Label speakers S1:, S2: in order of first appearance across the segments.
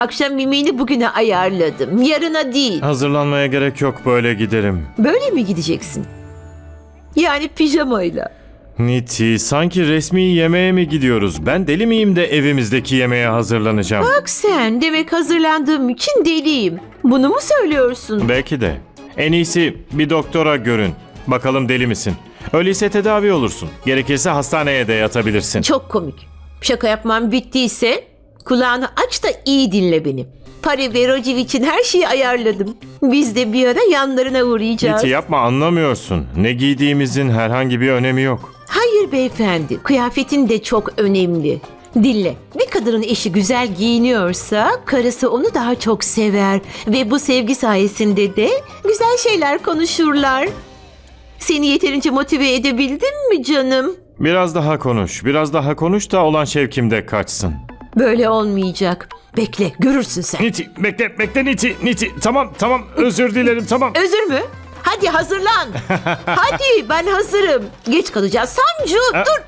S1: Akşam yemeğini bugüne ayarladım. Yarına değil.
S2: Hazırlanmaya gerek yok, böyle giderim.
S1: Böyle mi gideceksin? Yani pijamayla.
S2: Niti, sanki resmi yemeğe mi gidiyoruz? Ben deli miyim de evimizdeki yemeğe hazırlanacağım?
S1: Bak sen, demek hazırlandığım için deliyim. Bunu mu söylüyorsun?
S2: Belki de. En iyisi bir doktora görün. Bakalım deli misin? Öyleyse tedavi olursun. Gerekirse hastaneye de yatabilirsin.
S1: Çok komik. Şaka yapmam bittiyse kulağını aç da iyi dinle beni. Pari ve Raciv için her şeyi ayarladım. Biz de bir ara yanlarına uğrayacağız.
S2: Niti, yapma, anlamıyorsun. Ne giydiğimizin herhangi bir önemi yok.
S1: Hayır beyefendi, kıyafetin de çok önemli. Dinle, bir kadının eşi güzel giyiniyorsa karısı onu daha çok sever ve bu sevgi sayesinde de güzel şeyler konuşurlar. Seni yeterince motive edebildim mi canım?
S2: Biraz daha konuş. Biraz daha konuş da olan şevkim kaçsın.
S1: Böyle olmayacak. Bekle, görürsün sen.
S2: Niti, bekle Niti. Niti, tamam, özür dilerim, tamam.
S1: Özür mü? Hadi hazırlan. Hadi, ben hazırım. Geç kalacağız. Sancu, dur.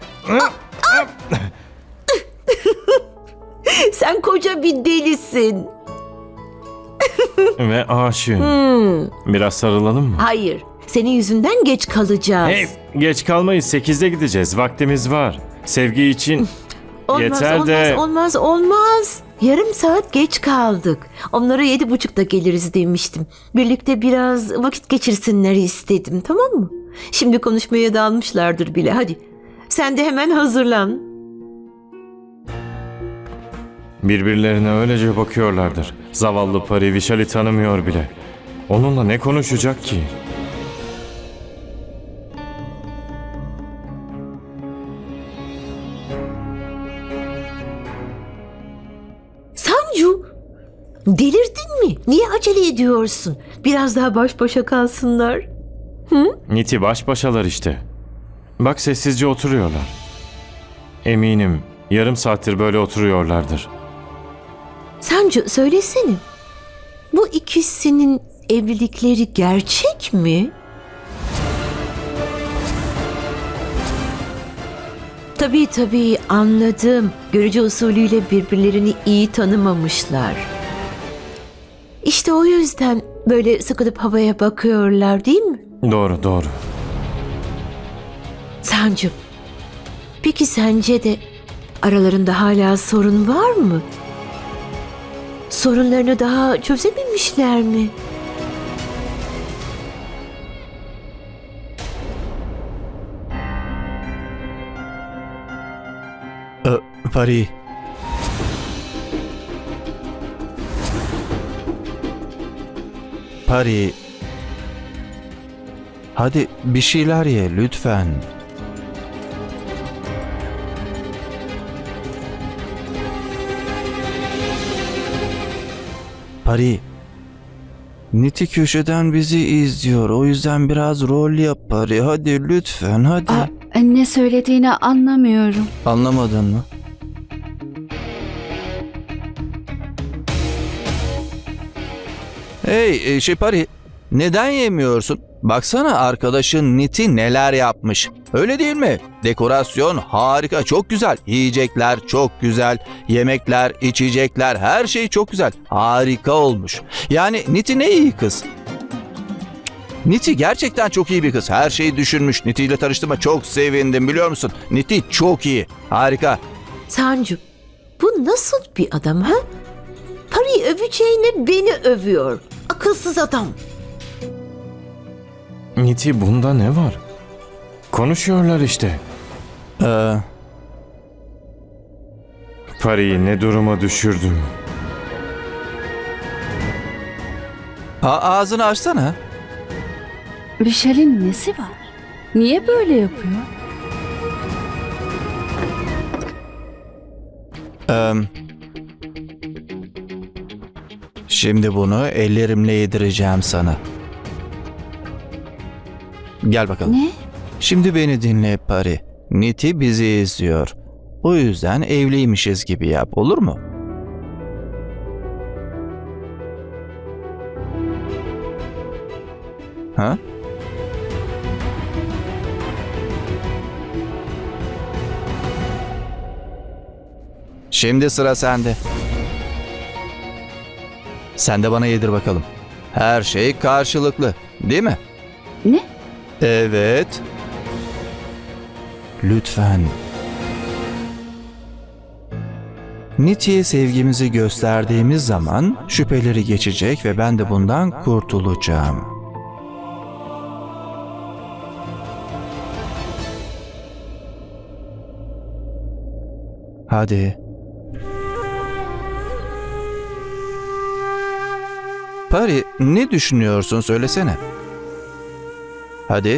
S1: Sen koca bir delisin.
S2: Ve aşığım. Biraz sarılalım mı?
S1: Hayır, senin yüzünden geç kalacağız.
S2: Hey, geç kalmayız. 8'de gideceğiz. Vaktimiz var. Sevgi için yeter de...
S1: Olmaz. Yarım saat geç kaldık. Onlara 7.30'da geliriz demiştim. Birlikte biraz vakit geçirsinler istedim, tamam mı? Şimdi konuşmaya dalmışlardır bile. Hadi, sen de hemen hazırlan.
S2: Birbirlerine öylece bakıyorlardır. Zavallı Pari Vişal'i tanımıyor bile. Onunla ne konuşacak ki?
S1: Sancu, delirdin mi? Niye acele ediyorsun? Biraz daha baş başa kalsınlar.
S2: Niti, baş başalar işte. Bak, sessizce oturuyorlar. Eminim yarım saattir böyle oturuyorlardır.
S1: Sancu, söylesene. Bu ikisinin evlilikleri gerçek mi? Tabii anladım. Görücü usulüyle birbirlerini iyi tanımamışlar. İşte o yüzden böyle sıkılıp havaya bakıyorlar, değil mi?
S2: Doğru.
S1: Sancu, peki sence de aralarında hala sorun var mı? Sorunlarını daha çözememişler mi?
S3: Pari. Pari. Hadi bir şeyler ye lütfen. Pari. Niti köşeden bizi izliyor. O yüzden biraz rol yap Pari. Hadi lütfen, hadi.
S4: Ne söylediğini anlamıyorum.
S3: Anlamadın mı? Hey Pari, neden yemiyorsun? Baksana arkadaşın Niti neler yapmış. Öyle değil mi? Dekorasyon harika, çok güzel. Yiyecekler çok güzel. Yemekler, içecekler, her şey çok güzel. Harika olmuş. Yani Niti ne iyi kız. Niti gerçekten çok iyi bir kız. Her şeyi düşünmüş. Niti ile tanıştığıma çok sevindim, biliyor musun? Niti çok iyi. Harika.
S1: Sancu, bu nasıl bir adam ha? Parayı öveceğine beni övüyor. Akılsız adam.
S2: Niti, bunda ne var? Konuşuyorlar işte. Pari'yi ne duruma düşürdüm.
S3: Ağzını açsana.
S4: Vişal'in nesi var? Niye böyle yapıyor?
S3: Şimdi bunu ellerimle yedireceğim sana. Gel bakalım.
S4: Ne?
S3: Şimdi beni dinle Pari. Niti bizi izliyor. O yüzden evliymişiz gibi yap, olur mu? Ha? Şimdi sıra sende. Sen de bana yedir bakalım. Her şey karşılıklı, değil mi?
S4: Ne?
S3: Evet. Lütfen. Niti'ye sevgimizi gösterdiğimiz zaman şüpheleri geçecek ve ben de bundan kurtulacağım. Hadi. Pari, ne düşünüyorsun söylesene. Hadi.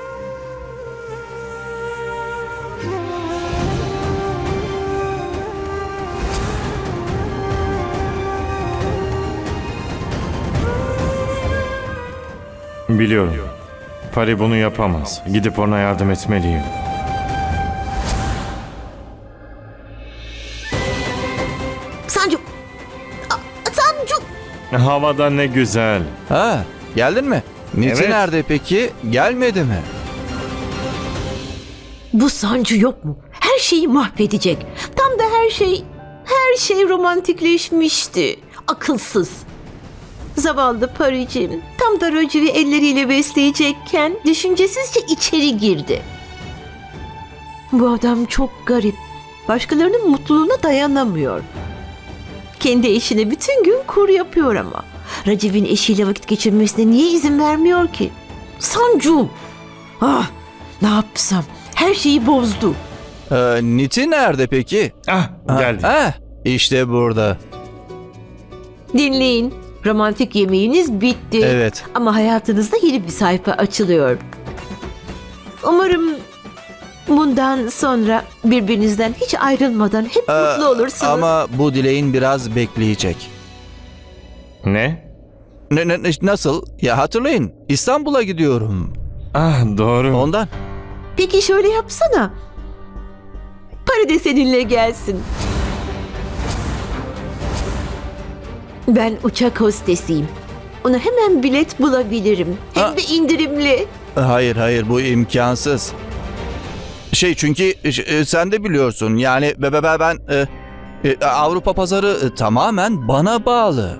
S2: Biliyorum. Pari bunu yapamaz. Gidip ona yardım etmeliyim.
S1: Sancu! Sancu!
S2: Havada ne güzel.
S3: Ha, geldin mi? Niti
S2: Evet.
S3: nerede peki? Gelmedi mi?
S1: Bu Sancu yok mu? Her şeyi mahvedecek. Tam da her şey romantikleşmişti. Akılsız. Zavallı Paricim tam da Raciv'i elleriyle besleyecekken düşüncesizce içeri girdi. Bu adam çok garip. Başkalarının mutluluğuna dayanamıyor. Kendi eşine bütün gün kur yapıyor ama. Raciv'in eşiyle vakit geçirmesine niye izin vermiyor ki? Sancu! Ah, ne yapsam? Her şeyi bozdu.
S3: Niti nerede peki?
S2: Geldi.
S3: İşte burada.
S1: Dinleyin. Romantik yemeğiniz bitti.
S3: Evet.
S1: Ama hayatınızda yeni bir sayfa açılıyor. Umarım bundan sonra birbirinizden hiç ayrılmadan hep mutlu olursunuz.
S3: Ama bu dileğin biraz bekleyecek.
S2: Ne?
S3: Nasıl? Ya hatırlayın, İstanbul'a gidiyorum.
S2: Doğru.
S3: Ondan.
S1: Peki şöyle yapsana. Para de seninle gelsin. Ben uçak hostesiyim. Ona hemen bilet bulabilirim. Hem de indirimli.
S3: Hayır, bu imkansız. Çünkü sen de biliyorsun yani ben Avrupa pazarı tamamen bana bağlı.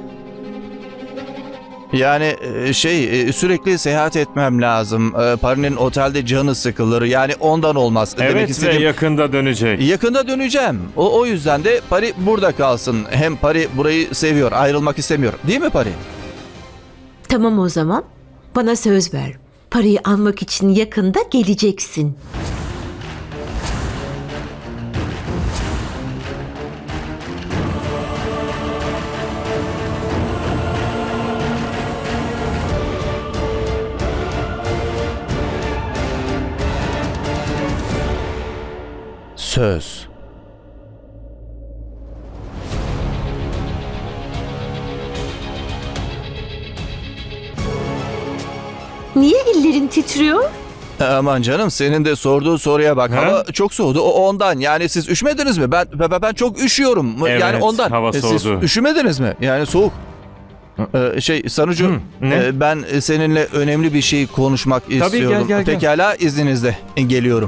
S3: Yani sürekli seyahat etmem lazım. Parinin otelde canı sıkılır. Yani ondan olmaz. Demek
S2: Evet ve
S3: istediğim,
S2: yakında dönecek.
S3: yakında döneceğim. O yüzden de Pari burada kalsın. Hem Pari burayı seviyor, ayrılmak istemiyor. Değil mi Pari?
S1: Tamam o zaman. Bana söz ver. Parayı almak için yakında geleceksin.
S3: Söz.
S1: Niye ellerin titriyor?
S3: Aman canım, senin de sorduğu soruya bak.
S2: Ha?
S3: Hava çok soğudu. O ondan. Yani siz üşümediniz mi? Ben çok üşüyorum.
S2: Evet,
S3: yani ondan.
S2: hava
S3: Siz
S2: soğudu.
S3: üşümediniz mi? Yani soğuk. Sanucu,
S2: ne?
S3: ben seninle önemli bir şey konuşmak istiyorum.
S2: gel.
S3: Pekala, izninizle geliyorum.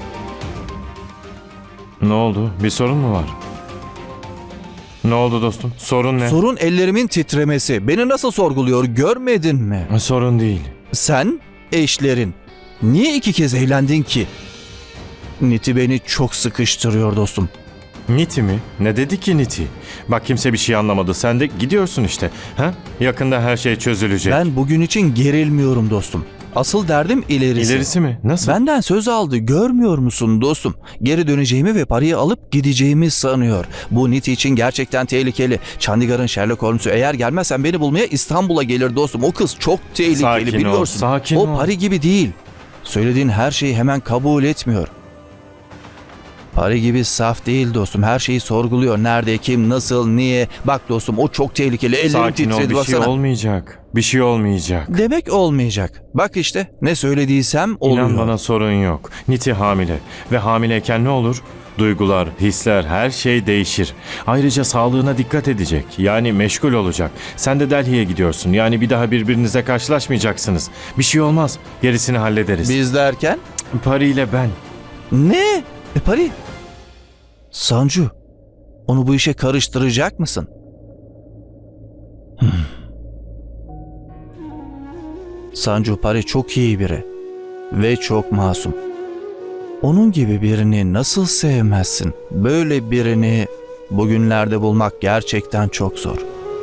S2: Ne oldu? Bir sorun mu var? Ne oldu dostum? Sorun ne?
S3: Sorun ellerimin titremesi. Beni nasıl sorguluyor görmedin mi?
S2: Sorun değil.
S3: Sen, eşlerin. Niye 2 kez evlendin ki? Niti beni çok sıkıştırıyor dostum.
S2: Niti mi? Ne dedi ki Niti? Bak kimse bir şey anlamadı. Sen de gidiyorsun işte. Ha? Yakında her şey çözülecek.
S3: Ben bugün için gerilmiyorum dostum. Asıl derdim ilerisi.
S2: İlerisi mi? Nasıl?
S3: Benden söz aldı, görmüyor musun dostum? Geri döneceğimi ve parayı alıp gideceğimi sanıyor. Bu Niti için gerçekten tehlikeli. Chandigarh'ın Sherlock Holmes'u eğer gelmezsen beni bulmaya İstanbul'a gelir dostum. O kız çok tehlikeli,
S2: Sakin ol,
S3: biliyorsun.
S2: sakin
S3: o
S2: ol.
S3: Pari gibi değil. Söylediğin her şeyi hemen kabul etmiyor. Pari gibi saf değil dostum. Her şeyi sorguluyor. Nerede, kim, nasıl, niye? Bak dostum, o çok tehlikeli. Ellerim
S2: Sakin ol,
S3: titredi,
S2: bir şey
S3: baksana.
S2: olmayacak. Bir şey olmayacak.
S3: Demek olmayacak. Bak işte, ne söylediysem oluyor.
S2: İnan bana, sorun yok. Niti hamile ve hamileyken ne olur? Duygular, hisler, her şey değişir. Ayrıca sağlığına dikkat edecek. Yani meşgul olacak. Sen de Delhi'ye gidiyorsun. Yani bir daha birbirinize karşılaşmayacaksınız. Bir şey olmaz. Gerisini hallederiz.
S3: Biz derken?
S2: Pari ile ben.
S3: Ne? Pari? Sancu, onu bu işe karıştıracak mısın? Sancu Pari çok iyi biri ve çok masum. Onun gibi birini nasıl sevmezsin? Böyle birini bugünlerde bulmak gerçekten çok zor.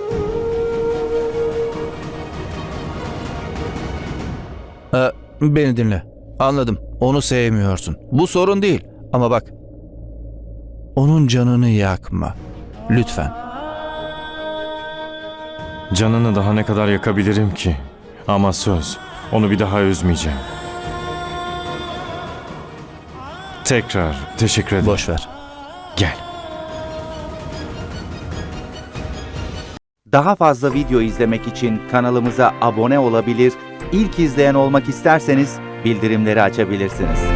S3: Beni dinle. Anladım. Onu sevmiyorsun. Bu sorun değil. Ama bak. Onun canını yakma. Lütfen.
S2: Canını daha ne kadar yakabilirim ki? Ama söz, onu bir daha üzmeyeceğim. Tekrar teşekkür ederim.
S3: Boş ver.
S2: Gel.
S5: Daha fazla video izlemek için kanalımıza abone olabilir, ilk izleyen olmak isterseniz bildirimleri açabilirsiniz.